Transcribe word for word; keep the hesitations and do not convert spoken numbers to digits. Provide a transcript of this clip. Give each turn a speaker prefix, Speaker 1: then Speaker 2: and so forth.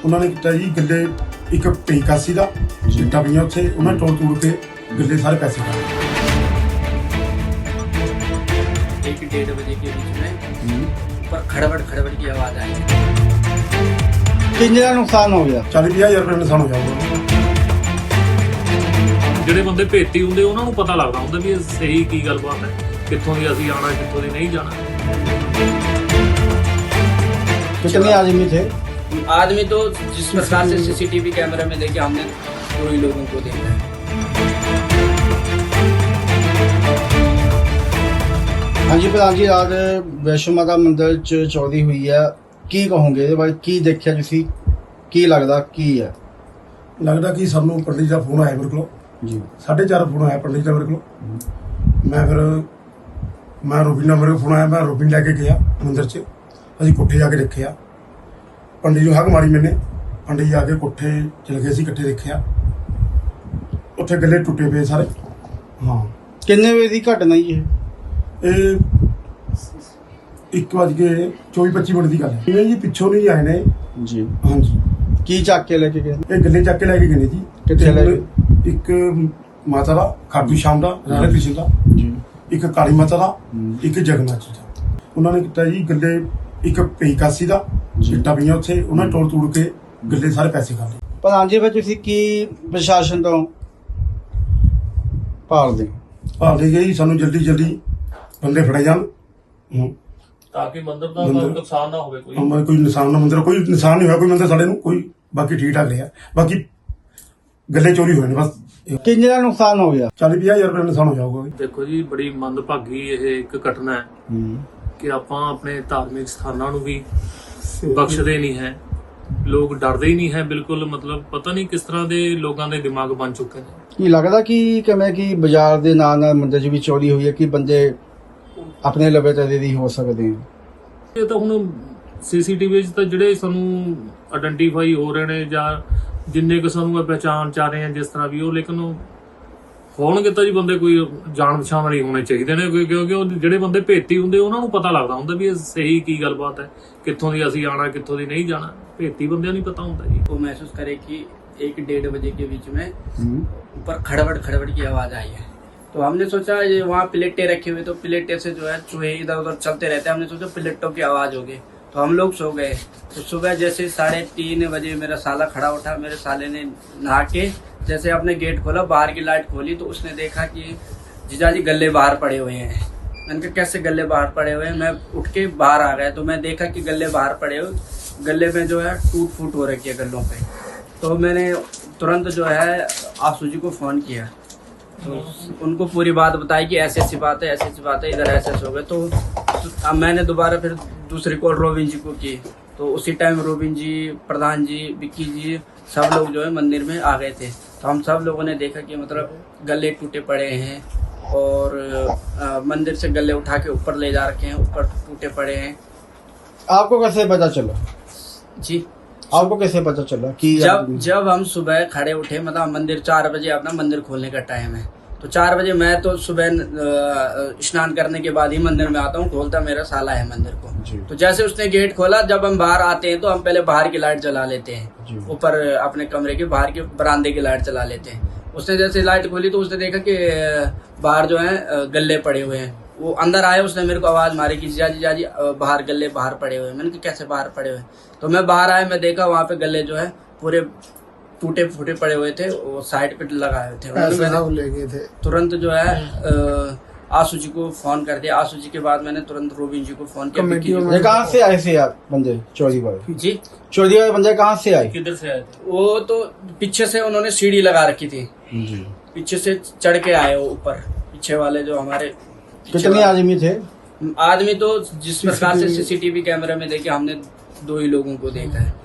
Speaker 1: ਉਹਨਾਂ ਨੇ ਕੀਤਾ ਜੀ ਗੱਲੇ ਇੱਕ ਪੇਕਾਸੀ ਦਾ ਚਿੱਟਾ ਪਈਆਂ ਉੱਥੇ ਉਹਨਾਂ ਤੋੜ ਤੋੜ ਕੇ ਗੱਲੇ ਸਾਰੇ ਪੈਸੇ ਖਾ ਲਏ।
Speaker 2: एक डेढ़ बजे के बीच में ऊपर खड़बड़ खड़बड़ की आवाज आई।
Speaker 3: किन्ने का नुकसान हो गया?
Speaker 1: चालीस ਪੰਜਾਹ ਹਜ਼ਾਰ ਰੁਪਏ ਨੁਕਸਾਨ ਹੋ ਜਾਊਗਾ।
Speaker 4: ਜਿਹੜੇ ਬੰਦੇ ਭੇਤੀ ਹੁੰਦੇ ਉਹਨਾਂ ਨੂੰ ਪਤਾ ਲੱਗਦਾ ਹੁੰਦਾ ਵੀ ਇਹ ਸਹੀ ਕੀ ਗੱਲਬਾਤ ਹੈ, ਕਿੱਥੋਂ ਦੀ ਅਸੀਂ ਆਣਾ ਕਿੱਥੋਂ ਦੀ ਨਹੀਂ ਜਾਣਾ।
Speaker 3: कितने आदमी थे?
Speaker 2: आदमी तो जिस प्रकार से सीसीटीवी कैमरे में देखे हमने दो ही लोगों को देखा है।
Speaker 3: हाँ जी प्रधान जी, रात वैष्णो माता मंदिर च चोरी हुई है, की कहोगे ਇਹਦੇ ਬਾਰੇ? ਕੀ ਦੇਖਿਆ ਤੁਸੀਂ? ਕੀ ਲੱਗਦਾ ਕੀ ਹੈ?
Speaker 1: ਲੱਗਦਾ ਕਿ ਸਾਨੂੰ ਪੰਡਿਤ ਦਾ ਫੋਨ ਆਇਆ ਮੇਰੇ ਕੋਲ
Speaker 3: ਜੀ
Speaker 1: ਸਾਢੇ ਚਾਰ ਫੋਨ ਆਇਆ ਪੰਡਿਤ ਦਾ ਮੇਰੇ ਕੋਲ। ਮੈਂ ਫਿਰ ਮੈਂ ਰੋਬਿਨ ਦਾ ਮੇਰੇ ਕੋਲ ਫੋਨ ਆਇਆ, ਮੈਂ ਰੋਬਿਨ ਲੈ ਕੇ ਗਿਆ ਮੰਦਿਰ 'ਚ। ਅਸੀਂ ਕੋਠੇ ਜਾ ਕੇ ਦੇਖਿਆ, ਪੰਡਿਤ ਨੂੰ ਹੱਕ ਮਾਰੀ ਮੈਨੇ। ਪੰਡਿਤ ਜਾ ਕੇ ਕੋਠੇ ਚਲੇ ਗਏ, ਅਸੀਂ ਇਕੱਠੇ ਦੇਖਿਆ, ਉੱਥੇ ਗੱਲੇ ਟੁੱਟੇ ਪਏ ਸਾਰੇ। ਹਾਂ
Speaker 3: ਕਿੰਨੇ ਵਜੇ ਦੀ ਘਟਨਾ ਜੀ ਇਹ?
Speaker 1: ਇਹ ਇੱਕ ਵੱਜ ਕੇ ਚੌਵੀ ਪੱਚੀ ਮਿੰਟ ਦੀ ਗੱਲ ਹੈ। ਜਿਵੇਂ ਜੀ ਪਿੱਛੋਂ ਨਹੀਂ ਆਏ ਨੇ।
Speaker 3: ਜੀ
Speaker 1: ਹਾਂਜੀ
Speaker 3: ਕੀ ਚੱਕ ਕੇ ਲੈ ਕੇ ਗਏ?
Speaker 1: ਇਹ ਗੱਲੇ ਚੱਕ ਕੇ ਲੈ ਕੇ ਗਏ ਨੇ ਜੀ।
Speaker 3: ਕਿੱਥੇ ਲੈ ਗਏ?
Speaker 1: ਇੱਕ ਮਾਤਾ ਦਾ ਖਾਟੂ ਸ਼ਾਮ ਦਾ ਰਾਧਾ ਕ੍ਰਿਸ਼ਨ ਦਾ,
Speaker 3: ਜੀ
Speaker 1: ਇੱਕ ਕਾਲੀ ਮਾਤਾ ਦਾ, ਇੱਕ ਜਗਨਨਾਥ ਜੀ ਦਾ। ਉਹਨਾਂ ਨੇ ਕੀਤਾ ਜੀ ਗੱਲੇ ਇੱਕ ਪੇਕਾਸੀ ਦਾ ਚਿੱਟਾ ਪਈਆਂ ਉੱਥੇ ਉਹਨਾਂ ਤੋੜ ਤੋੜ ਕੇ ਗੱਲੇ ਸਾਰੇ ਪੈਸੇ ਖਾ ਲਏ।
Speaker 3: ਪ੍ਰਧਾਨ ਜੀ ਫਿਰ ਤੁਸੀਂ ਕੀ ਪ੍ਰਸ਼ਾਸਨ ਤੋਂ ਭਾਲਦੇ?
Speaker 1: ਭਾਲਦੇ ਗਏ ਜੀ ਸਾਨੂੰ ਜਲਦੀ ਜਲਦੀ ਬੰਦੇ ਫੜੇ ਜਾਣ। ਹੂੰ
Speaker 4: ਤਾਂ ਕਿ ਮੰਦਰ ਦਾ
Speaker 1: ਮੰਦਿਰ-
Speaker 4: ਕੋਈ ਨੁਕਸਾਨ ਨਾ ਹੋਵੇ ਕੋਈ।
Speaker 1: ਹਮਾਰੇ ਕੋਈ ਨਿਸ਼ਾਨ ਨਾ ਮੰਦਿਰ ਕੋਈ ਨਿਸ਼ਾਨ ਨਹੀਂ ਹੋਇਆ ਕੋਈ ਮੰਦਿਰ ਸਾਡੇ ਨੂੰ ਕੋਈ, ਬਾਕੀ ਠੀਕ ਠਾਕ ਰਿਹਾ। ਬਾਕੀ ਗੱਲੇ ਚੋਰੀ ਹੋਏ ਨੇ ਬਸ।
Speaker 3: ਕਿੰਨੇ ਦਾ ਨੁਕਸਾਨ ਹੋ ਗਿਆ?
Speaker 1: ਚਾਲੀ ਪੰਜਾਹ ਹਜ਼ਾਰ ਰੁਪਏ ਦਾ ਨੁਕਸਾਨ ਹੋ ਜਾਊਗਾ।
Speaker 4: ਦੇਖੋ ਜੀ, ਬੜੀ ਮੰਦਭਾਗੀ ਇਹ ਇੱਕ ਘਟਨਾ ਹੈ ਕਿ ਆਪਾਂ ਆਪਣੇ ਧਾਰਮਿਕ ਸਥਾਨਾਂ ਨੂੰ ਵੀ ਬਖਸ਼ਦੇ ਨਹੀਂ ਹੈ। ਲੋਕ ਡਰਦੇ ਹੀ ਨਹੀਂ ਹੈ ਬਿਲਕੁਲ। ਮਤਲਬ ਪਤਾ ਨਹੀਂ ਕਿਸ ਤਰ੍ਹਾਂ ਦੇ ਲੋਕਾਂ ਦੇ ਦਿਮਾਗ ਬਣ ਚੁੱਕੇ ਨੇ।
Speaker 3: ਕੀ ਲੱਗਦਾ ਕਿ ਕਿਵੇਂ ਕਿ ਬਾਜ਼ਾਰ ਦੇ ਨਾਲ ਨਾਲ ਮੰਦਿਰ 'ਚ ਵੀ ਚੋਰੀ ਹੋਈ ਹੈ ਕਿ ਬੰਦੇ ਆਪਣੇ ਲਵੇ ਤਦੇ ਦੀ ਹੋ ਸਕਦੇ ਆ?
Speaker 4: ਇਹ ਤਾਂ ਹੁਣ ਸੀਸੀਟੀਵੀ 'ਚ ਤਾਂ ਜਿਹੜੇ ਸਾਨੂੰ ਆਇਡੈਂਟੀਫਾਈ ਹੋ ਰਹੇ ਨੇ ਜਾਂ ਜਿੰਨੇ ਕੁ ਸਾਨੂੰ ਪਹਿਚਾਣ ਚ ਆ ਰਹੇ ਆ ਜਿਸ ਤਰ੍ਹਾਂ ਵੀ ਉਹ, ਲੇਕਿਨ ਹੋਣਗੇ ਤਾਂ ਜੀ ਬੰਦੇ ਕੋਈ ਜਾਣ ਪਛਾਣ ਵਾਲੇ ਹੋਣੇ ਚਾਹੀਦੇ ਨੇ, ਕਿਉਂਕਿ ਉਹ ਜਿਹੜੇ ਬੰਦੇ ਭੇਤੀ ਹੁੰਦੇ ਉਹਨਾਂ ਨੂੰ ਪਤਾ ਲੱਗਦਾ ਹੁੰਦਾ ਵੀ ਇਹ ਸਹੀ ਕੀ ਗੱਲਬਾਤ ਹੈ, ਕਿੱਥੋਂ ਦੀ ਅਸੀਂ ਆਣਾ ਕਿੱਥੋਂ ਦੀ ਨਹੀਂ ਜਾਣਾ। ਭੇਤੀ ਬੰਦਿਆਂ ਨੂੰ ਪਤਾ ਹੁੰਦਾ जी।
Speaker 2: वो महसूस करे कि एक डेढ़ बजे के बीच में ऊपर खड़बड़ खड़बड़ की आवाज आई है। तो हमने सोचा ये वहाँ प्लेटें रखी हुई, तो प्लेटें से जो है चूहे इधर उधर चलते रहते हैं। हमने सोचा प्लेटों की आवाज होगी, तो हम लोग सो गए। तो सुबह जैसे साढ़े तीन बजे मेरा साला खड़ा उठा। मेरे साले ने नहा के जैसे अपने गेट खोला, बाहर की लाइट खोली, तो उसने देखा कि जीजा जी गले बाहर पड़े हुए हैं। मैंने कहा कैसे गले बाहर पड़े हुए हैं? मैं उठ के बाहर आ गया तो मैं देखा कि गले बाहर पड़े हुए, गले में जो है टूट फूट हो रखी है गलों पे। तो मैंने तुरंत जो है आसू जी को फ़ोन किया, तो उनको पूरी बात बताई कि ऐसी ऐसी बात है, ऐसी ऐसी बात है, इधर ऐसे ऐसे हो गए। तो, तो अब मैंने दोबारा फिर दूसरी कॉल रोबिन जी को की, तो उसी टाइम रोबिन जी, प्रधान जी, विक्की जी सब लोग जो है मंदिर में आ गए थे। तो हम सब लोगों ने देखा कि मतलब गले टूटे पड़े हैं और आ, मंदिर से गले उठा के ऊपर ले जा रखे हैं, ऊपर टूटे पड़े हैं।
Speaker 3: आपको कैसे पता चला
Speaker 2: जी
Speaker 3: आपको कैसे पता चला कि
Speaker 2: जब जब हम सुबह खड़े उठे, मतलब मंदिर चार बजे अपना मंदिर खोलने का टाइम है, तो चार बजे मैं तो सुबह स्नान करने के बाद ही मंदिर में आता हूँ, खोलता मेरा साला है मंदिर को। तो जैसे उसने गेट खोला, जब हम बाहर आते हैं तो हम पहले बाहर की लाइट जला लेते हैं, ऊपर अपने कमरे के बाहर के बरामदे की लाइट जला लेते हैं। उसने जैसे लाइट खोली तो उसने देखा कि बाहर जो है गले पड़े हुए हैं। वो अंदर आया, उसने मेरे को आवाज मारी कि जीजा जी जीजा जी बाहर गले बाहर पड़े हुए हैं। मैंने कहा कैसे बाहर पड़े हुए? तो मैं बाहर आया, मैं देखा वहाँ पे गले जो है पूरे टूटे फूटे पड़े हुए थे, वो साइड पे लगाए हुए थे। मैंने
Speaker 3: ले गए थे
Speaker 2: तुरंत जो है आसू जी को फोन कर दिया। आसू जी के बाद मैंने तुरंत रोबिन जी को फोन किया।
Speaker 3: ये कहाँ से आए थे आप बंदे चोरी वाले?
Speaker 2: जी
Speaker 3: चोरी वाले बंदे कहाँ से आए?
Speaker 4: किधर से आए थे?
Speaker 2: वो तो पीछे से उन्होंने सीढ़ी लगा रखी थी, पीछे से चढ़ के आए वो ऊपर, पीछे वाले जो हमारे।
Speaker 3: कितने आदमी थे?
Speaker 2: आदमी तो जिस प्रकार से सीसीटीवी कैमरे में देखे हमने दो ही लोगों को देखा है।